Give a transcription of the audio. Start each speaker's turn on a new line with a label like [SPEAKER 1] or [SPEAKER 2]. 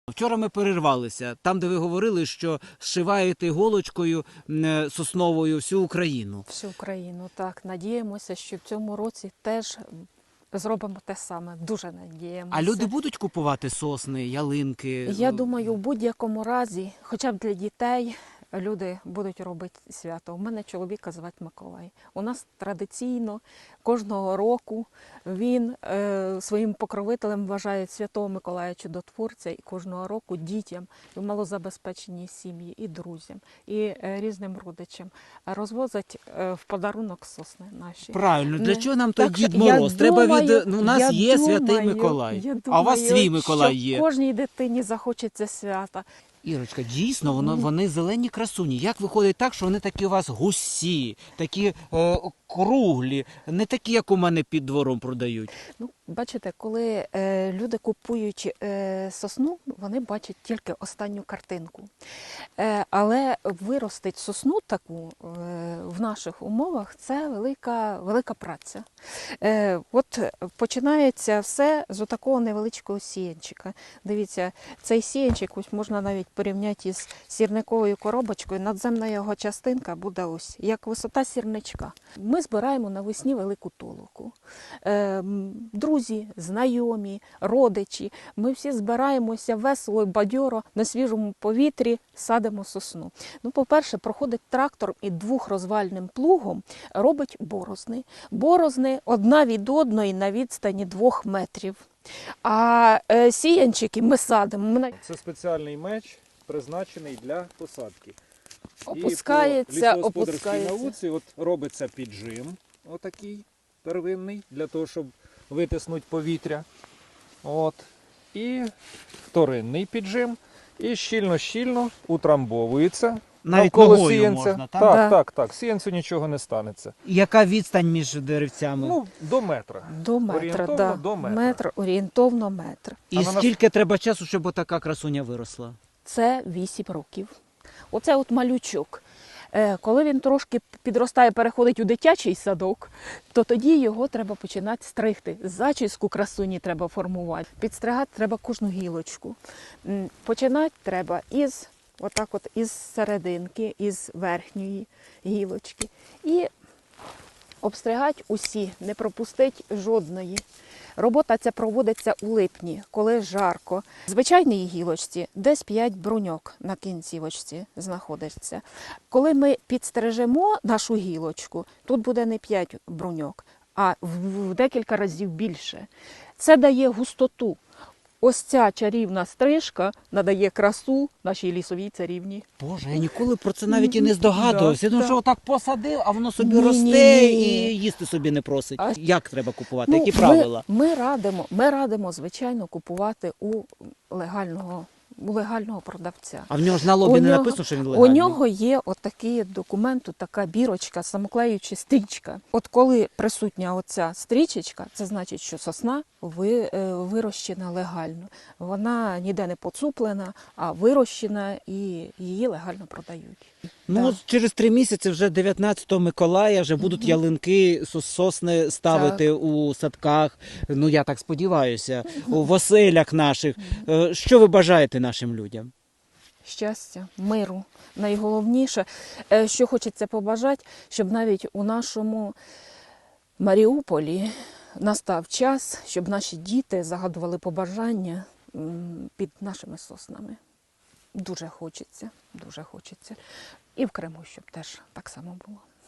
[SPEAKER 1] Вчора ми перервалися, там, де ви говорили, що зшиваєте іголочкою сосновою всю Україну.
[SPEAKER 2] Всю Україну, так. Надіємося, що в цьому році теж зробимо те саме. Дуже надіємося.
[SPEAKER 1] А люди будуть купувати сосни, ялинки?
[SPEAKER 2] Я думаю, в будь-якому разі, хоча б для дітей, люди будуть робити свято. У мене чоловіка звати Миколай. У нас традиційно кожного року він своїм покровителем вважає Святого Миколая Чудотворця, і кожного року дітям, і в малозабезпеченій сім'ї, і друзям, і різним родичам розвозять в подарунок сосни наші.
[SPEAKER 1] Правильно, для чого нам той
[SPEAKER 2] Так,
[SPEAKER 1] Дід Мороз? Треба
[SPEAKER 2] думаю,
[SPEAKER 1] у нас є Святий
[SPEAKER 2] думаю,
[SPEAKER 1] Миколай, а у вас свій Миколай
[SPEAKER 2] що
[SPEAKER 1] є.
[SPEAKER 2] кожній дитині захочеться свята.
[SPEAKER 1] Ірочка, дійсно, вони зелені красуні. Як виходить так, що вони такі у вас гусі, такі круглі, не такі, як у мене під двором продають?
[SPEAKER 2] Ну, бачите, коли люди купують сосну, вони бачать тільки останню картинку. Але виростить сосну таку в наших умовах – це велика праця. От починається все з такого невеличкого сіянчика. Дивіться, цей сіянчик ось можна навіть порівняти із сірниковою коробочкою. Надземна його частинка буде ось, як висота сірничка. Ми збираємо навесні велику толоку. Друзі, знайомі, родичі, ми всі збираємося весело і бадьоро на свіжому повітрі, садимо сосну. Ну, по-перше, проходить трактор і двохрозвальним плугом робить борозни. Борозни одна від одної на відстані 2 метрів. А сіянчики ми садимо.
[SPEAKER 3] Це спеціальний меч, призначений для посадки.
[SPEAKER 2] Опускається,
[SPEAKER 3] І по лісогосподарській
[SPEAKER 2] опускається.
[SPEAKER 3] науці робиться піджим, отакий первинний, для того, щоб витиснути повітря. І вторинний піджим. І щільно-щільно утрамбовується.
[SPEAKER 1] Навіть
[SPEAKER 3] навколо
[SPEAKER 1] ногою
[SPEAKER 3] сіянця.
[SPEAKER 1] можна, так?
[SPEAKER 3] Так. Сіянцю нічого не станеться.
[SPEAKER 1] Яка відстань між деревцями?
[SPEAKER 3] Ну, до метра.
[SPEAKER 2] До метра,
[SPEAKER 3] Орієнтовно
[SPEAKER 2] да.
[SPEAKER 3] до метра.
[SPEAKER 2] Орієнтовно метр.
[SPEAKER 1] І
[SPEAKER 3] А на нас-
[SPEAKER 1] скільки треба часу, щоб отака красуня виросла?
[SPEAKER 2] Це 8 років. Оце от малючок. Коли він трошки підростає, переходить у дитячий садок, то тоді його треба починати стригти. Зачіску красуні треба формувати. Підстригати треба кожну гілочку. Починати треба із серединки, із верхньої гілочки. І обстригати усі, не пропустити жодної. Робота ця проводиться у липні, коли жарко. В звичайній гілочці десь 5 бруньок на кінцівочці знаходиться. Коли ми підстрижемо нашу гілочку, тут буде не 5 бруньок, а в декілька разів більше. Це дає густоту. Ось ця чарівна стрижка надає красу нашій лісовій царівні.
[SPEAKER 1] Боже, я ніколи про це навіть і не здогадувався. Я думав, що отак посадив, а воно собі
[SPEAKER 2] Ні,
[SPEAKER 1] росте
[SPEAKER 2] ні.
[SPEAKER 1] і їсти собі не просить.
[SPEAKER 2] А-
[SPEAKER 1] Як треба купувати?
[SPEAKER 2] Ну,
[SPEAKER 1] Які правила?
[SPEAKER 2] Ми радимо, звичайно, купувати у легального продавця.
[SPEAKER 1] А в нього ж на лобі не написано, що він
[SPEAKER 2] У
[SPEAKER 1] легальний?
[SPEAKER 2] нього є отакий документ, така бірочка, самоклеюча стрічка. От коли присутня оця стрічечка, це значить, що сосна вирощена легально. Вона ніде не поцуплена, а вирощена і її легально продають.
[SPEAKER 1] Ну,
[SPEAKER 2] Так.
[SPEAKER 1] от через 3 місяці, вже 19 Миколая, вже будуть ялинки, сосни ставити у садках. Ну, я так сподіваюся, в оселях наших. Що ви бажаєте нашим людям?
[SPEAKER 2] Щастя, миру. Найголовніше, що хочеться побажати, щоб навіть у нашому Маріуполі настав час, щоб наші діти загадували побажання під нашими соснами. Дуже хочеться, дуже хочеться. І в Криму, щоб теж так само було.